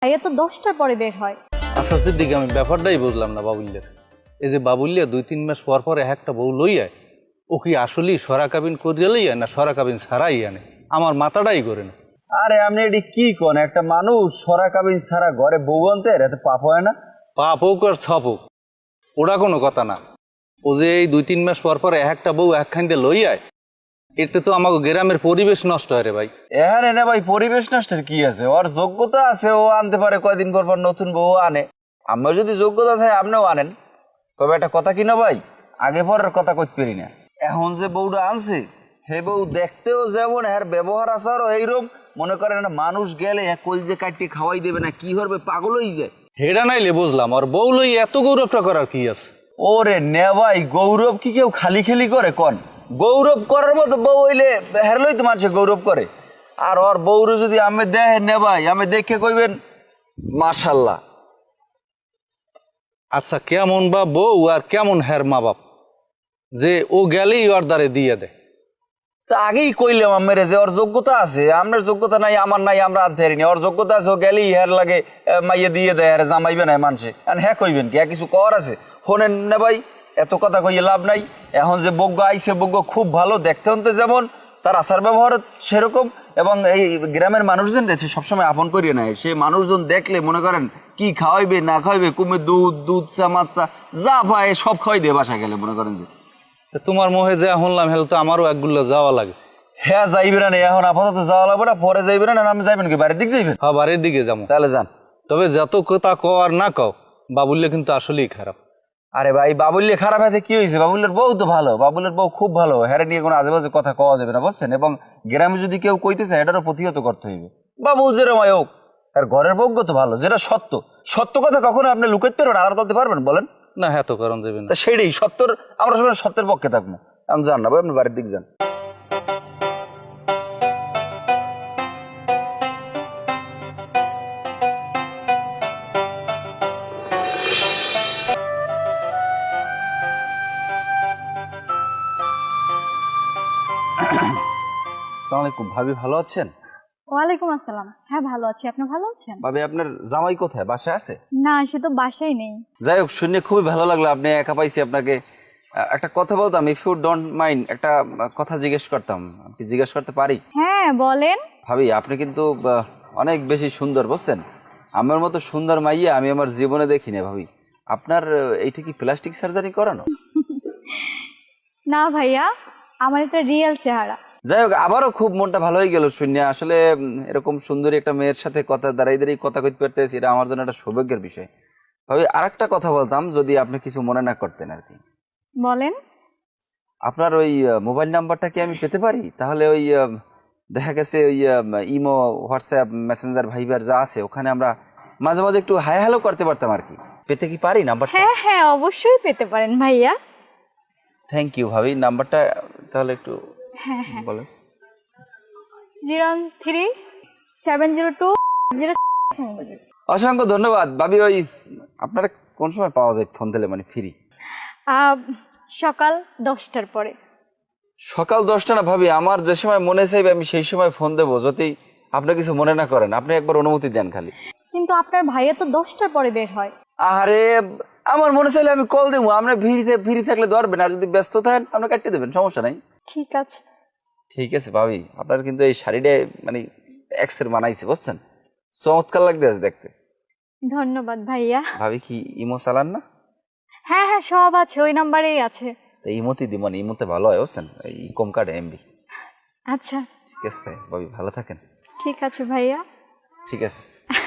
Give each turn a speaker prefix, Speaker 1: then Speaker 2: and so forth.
Speaker 1: ভাইয়া তো 10টার পরে বের হয়।
Speaker 2: আচ্ছা সিদ্দিক, আমি ব্যাপারটাই বুঝলাম না বাবুল্যের। এই যে বাবুল্যা 2-3 মাস পর পর একটা বউ লইয়া, ও কি আসলেই সরা কাবিন করিয়া লইয়া না সরা কাবিন ছাড়াই আনে? আমার মাথাটাই করে না।
Speaker 3: আরে আপনি এটি কি কোন, একটা মানুষ সরা কাবিন ছাড়া ঘরে বউ আনতে এত পাপ হয় না?
Speaker 2: পাপ হোক আর ছাপ হোক, ওটা কোনো কথা না। ও যে এই 2-3 মাস পর পর একটা বউ একখান দিয়ে লইয়ায়, এতে তো আমাকে গ্রামের পরিবেশ নষ্ট হয় রে ভাই।
Speaker 3: এখানে না ভাই পরিবেশ নষ্টের কি আছে? ওর যোগ্যতা আছে, ও আনতে পারে কয়দিন পর পর নতুন বউ আনে। আমার যদি যোগ্যতা থাকে আপনিও আনেন। তবে একটা কথা কি না ভাই, আগে পরের কথা কইতে পারি না। এখন যে বউটা আনছে হে বউ দেখতেও যেমন, এর ব্যবহার আচারও এইরকম। মনে করেন না মানুষ গেলে কলজে কাটিয়ে খাওয়াই দেবে না, কি করবে পাগল হয়ে যায়।
Speaker 2: হেডা নাইলে বুঝলাম, আর বউ লই এত গৌরবটা করার কি আছে?
Speaker 3: ওরে নে ভাই, গৌরব কি কেউ খালি খালি করে কন? গৌরব করার মতো বউ হইলে হেরলই তো মানুষে গৌরব করে। আর ওর বউরে যদি আমি দেখেন নে ভাই, আমি দেখে কইবেন মাশাল্লাহ।
Speaker 2: আচ্ছা কেমন বা বউ আর কেমন হের মা বাপ যে ও গেলেই ওর দ্বারে দিয়ে দেয়?
Speaker 3: তা আগেই কইলাম আমার যে ওর যোগ্যতা আছে, আপনার যোগ্যতা নাই আমার নাই, আমরা আনতে পারিনি। ওর যোগ্যতা আছে, ও গেলেই হের লাগে মাইয়ে দিয়ে দেয়, আর জামাইবে না মানুষে। আর হ্যাঁ কইবেন কি, কিছু কর আছে? শোনেন না ভাই, এত কথা কইয়ে লাভ নাই। এখন যে বজ্ঞ আইছে, বজ্ঞ খুব ভালো, দেখতে হতে যেমন, তার আচার ব্যবহার সেরকম। এবং এই গ্রামের মানুষজন রয়েছে সবসময় আপন করিয়ে নেয়। সে মানুষজন দেখলে মনে করেন কি খাওয়াইবে না খাওয়াইবে, কুমে দুধ চা মাছ যা পায় সব খাওয়াই দিয়ে বাসা গেলে মনে করেন যে।
Speaker 2: তোমার মোহে যা শুনলাম হেল তো আমারও একগুলো যাওয়া লাগে।
Speaker 3: হ্যাঁ যাইবে না, এখন আপাতত যাওয়া লাগবে না, পরে যাইবে না। আমি যাইবেন কি বাড়ির দিক যাইবেন?
Speaker 2: হ্যাঁ বাড়ির দিকে যাবো।
Speaker 3: তাহলে যান।
Speaker 2: তবে যত কথা কও আর না কও, বাবুল্য কিন্তু আসলেই খারাপ।
Speaker 3: আরে ভাই বাবুল্যে খারাপ হাতে কি হয়েছে? বাবুল্যের বউ তো ভালো, বাবুল্যের বউ খুব ভালো। হ্যাঁ নিয়ে কোনো আজেবাজে কথা কওয়া যাবে না বুঝছেন। এবং গ্রামে যদি কেউ কইতেছে এটারও প্রতিহত করতে হইবে। বাবু যেরমাই হোক, আর ঘরের বউ তো ভালো, যেটা সত্য। সত্য কথা কখনো আপনি লুকাইতে পারবেন, আড়াল করতে পারবেন বলেন?
Speaker 2: না হ্যাঁ তো কারণ দেবে না।
Speaker 3: তা সেটাই সত্যর, আমরা সবাই সত্যের পক্ষে থাকবো। আমি যান না ভাই, আপনি বাড়ির দিক যান। আসসালামু আলাইকুম ভাবি, ভালো আছেন?
Speaker 1: ওয়ালাইকুম আসসালাম। হ্যাঁ ভালো আছি, আপনি ভালো আছেন?
Speaker 3: ভাবি আপনার জামাই কোথায়, বাসায় আছে?
Speaker 1: না, সে তো বাসায় নেই।
Speaker 3: যাই হোক, শুনে খুবই ভালো লাগলো আপনি একা পাইছি আপনাকে। একটা কথা বলতাম, ইফ ইউ ডোন্ট মাইন্ড, একটা কথা জিজ্ঞেস করতাম, আপনি জিজ্ঞেস করতে পারি?
Speaker 1: হ্যাঁ বলেন।
Speaker 3: ভাবি আপনি কিন্তু অনেক বেশি সুন্দর বুঝছেন। আমার মতো সুন্দর মাইয়া আমি আমার জীবনে দেখি না ভাবি। আপনার এইটা কি প্লাস্টিক সার্জারি করানো?
Speaker 1: না ভাইয়া, আমার এটা রিয়েল চেহারা।
Speaker 3: যাই হোক, আবারও খুব মনটা ভালো হয়ে গেল শুনে। আসলে এরকম সুন্দরী একটা মেয়ের সাথে কথা দাঁড়াই কথা কইতে পারতেছি, এটা আমার জন্য একটা সৌভাগ্যের বিষয়। ভাবি আর একটা কথা বলতাম, যদি আপনি কিছু মনে না করতেন আর কি।
Speaker 1: বলেন।
Speaker 3: আপনার ওই মোবাইল নাম্বারটা কি আমি পেতে পারি? তাহলে ওই দেখা গেছে ওই ইমো, হোয়াটসঅ্যাপ, মেসেঞ্জার, ভাইবার যা আছে ওখানে আমরা মাঝে মাঝে একটু হাই হ্যালো করতে পারতাম আর কি। পেতে কি পারি নাম্বারটা?
Speaker 1: হ্যাঁ হ্যাঁ অবশ্যই পেতে পারেন ভাইয়া।
Speaker 3: থ্যাংক ইউ ভাবি। নাম্বারটা তাহলে একটু
Speaker 1: হ্যাঁ হ্যাঁ,
Speaker 3: বলেন।
Speaker 1: 03702
Speaker 3: অসংখ্য ধন্যবাদ ভাবি। ওই আপনারা কোন সময় পাওয়া যায় ফোন দিলে, মানে ফ্রি?
Speaker 1: সকাল 10টার পরে।
Speaker 3: সকাল 10টা না ভাবি, আমার যে সময় মনে চাইবে আমি সেই সময় ফোন দেবো, যদি আপনি কিছু মনে না করেন। আপনি একবার অনুমতি দেন খালি।
Speaker 1: কিন্তু আপনার ভাইয়া তো 10টার পরে বের হয়।
Speaker 3: আরে আমার মনে চাইলে আমি কল দেবো, আপনি ফ্রি থাকলে ধরবেন, আর যদি ব্যস্ত থাকেন আপনি কাটতে দেবেন, সমস্যা নাই।
Speaker 1: ঠিক আছে।
Speaker 3: ঠিক আছে ভাবি, আপনার কিন্তু এই শাড়িটা মানে এক্সের বানাইছে বুঝছেন, চমৎকার লাগতেছে দেখতে।
Speaker 1: ধন্যবাদ ভাইয়া।
Speaker 3: ভাবি কি ইমো চালান না?
Speaker 1: হ্যাঁ হ্যাঁ সব আছে, ওই নাম্বারেই আছে।
Speaker 3: ইমোতে দিব, মানে ইমোতে ভালো হয় বুঝছেন, এই কম কাটে এমবি।
Speaker 1: আচ্ছা
Speaker 3: ঠিক আছে ভাবি, ভালো থাকেন।
Speaker 1: ঠিক আছে ভাইয়া।
Speaker 3: ঠিক আছে।